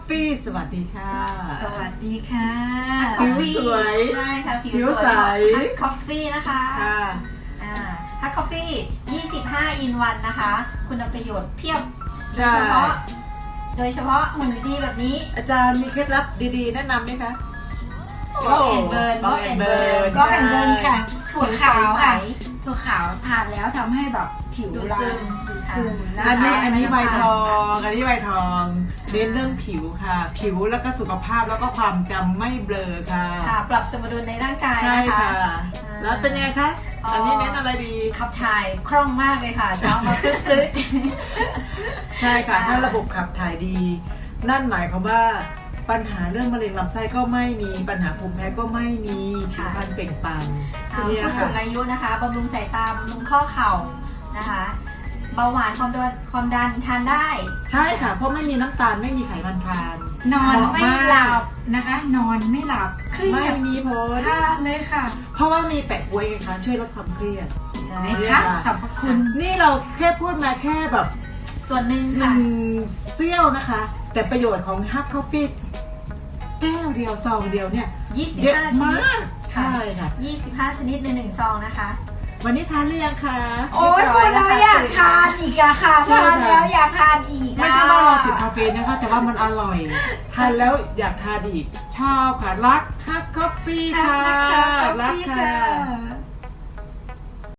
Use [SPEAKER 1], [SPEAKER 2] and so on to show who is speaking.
[SPEAKER 1] Coffee สวัสดีค่ะ
[SPEAKER 2] สวัสดีค่ะ
[SPEAKER 1] ผิวสวย
[SPEAKER 2] ใช่ค่ะผิ
[SPEAKER 1] ผิว
[SPEAKER 2] วส
[SPEAKER 1] ใส
[SPEAKER 2] วยฮักคอฟฟี่นะคะฮักคอฟฟี่25 อินวันนะคะ คุณประโยชน์เพียบโดยเฉพาะหุ่นดีๆแบบนี้
[SPEAKER 1] อาจารย์มีเคล็ดลับดีๆแนะนำไหมคะ
[SPEAKER 2] บล็อกแอนเบิร์น
[SPEAKER 1] บล็อกแอนเบิร์น
[SPEAKER 3] บล็อกแอนเบิร์นค่ะถั่วขาว
[SPEAKER 2] ใส
[SPEAKER 3] ค่ะถั่วขาวทานแล้วทำให้แบบผิว
[SPEAKER 2] ดูด
[SPEAKER 3] เรา
[SPEAKER 2] ซึม
[SPEAKER 3] ดูดซึมนะ
[SPEAKER 1] อันนี้
[SPEAKER 3] คะ
[SPEAKER 1] อันนี้ใบทองอันนี้ใบทองเน้นเรื่องผิวค่ะ ผิวแล้วก็สุขภาพแล้วก็ความจำไม่เบลอค่ะ
[SPEAKER 2] ค่ะ ปรับสมดุลในร่างกาย
[SPEAKER 1] ใช่
[SPEAKER 2] นะคะ
[SPEAKER 1] ค่ะ แล้วเป็นไงคะอันนี้เน้นอะไรดี
[SPEAKER 2] ขับถ่ายคล่องมากเลยค่ะเช้ามาปลื้ด
[SPEAKER 1] ใช่ค่ะถ้าระบบขับถ่ายดี นั่นหมายความว่าปัญหาเรื่องมะเร็งลำไส้ก็ไม่มีปัญหาภูมิแพ้ก็ไม่มีผิวพรรณเปล่งปลั่ง
[SPEAKER 2] ส่วน
[SPEAKER 1] เนี่ย
[SPEAKER 2] ผู้สู
[SPEAKER 1] ค่ะ
[SPEAKER 2] งอายุนะคะบำรุงสายตาบำรุงข้อเข่านะคะเบาหวานความดันทานได้
[SPEAKER 1] ใช่ค่ะเพราะไม่มีน้ำตาลไม่มีไขมันทราน
[SPEAKER 3] นอน
[SPEAKER 1] เหมาะ
[SPEAKER 3] ไม่
[SPEAKER 1] มาก
[SPEAKER 3] หลับนะคะ นอนไม่หลับเครี
[SPEAKER 1] ไม่
[SPEAKER 3] ยด
[SPEAKER 1] มีผล
[SPEAKER 3] ทานเลยค่ะ
[SPEAKER 1] เพราะว่ามีแปะกล้วยไงคะช่วยลดความเครียด
[SPEAKER 2] ใช่
[SPEAKER 3] ไหน
[SPEAKER 1] เนี่ย
[SPEAKER 3] คะ
[SPEAKER 1] ค่ะ
[SPEAKER 3] ขอบพระคุณ
[SPEAKER 1] นี่เราแค่พูดมาแค่แบบ
[SPEAKER 2] ส่วนหนึ่ง
[SPEAKER 1] ห
[SPEAKER 2] ค่ะ
[SPEAKER 1] นึ่งเสี้ยวนะคะ แต่ประโยชน์ของฮักคอฟฟี่แก้วเดียวซองเดียวเนี่ยเยอะ
[SPEAKER 2] 25 ชนิด
[SPEAKER 1] มากใช่ค่ะ
[SPEAKER 2] 25 ชนิดใน1ซองนะคะ
[SPEAKER 1] วันนี้ทานหรือยังคะ
[SPEAKER 3] โอ้ยพูดแล้วอยากทานอีกอะค่ะ
[SPEAKER 1] ใช่
[SPEAKER 3] ทาน
[SPEAKER 1] ค่ะ
[SPEAKER 3] แล้วอยากทานอีก
[SPEAKER 1] ไม่ใช่ว่าเราติดคาเฟอีนนะคะ แต่ว่ามันอร่อยทานแล้วอยากทานอีกชอบค่ะรักฮักคอฟฟี่
[SPEAKER 3] ค่ะ
[SPEAKER 1] ค่ะ
[SPEAKER 3] รัก
[SPEAKER 1] รัก
[SPEAKER 3] ค่ะ
[SPEAKER 1] ค่ะ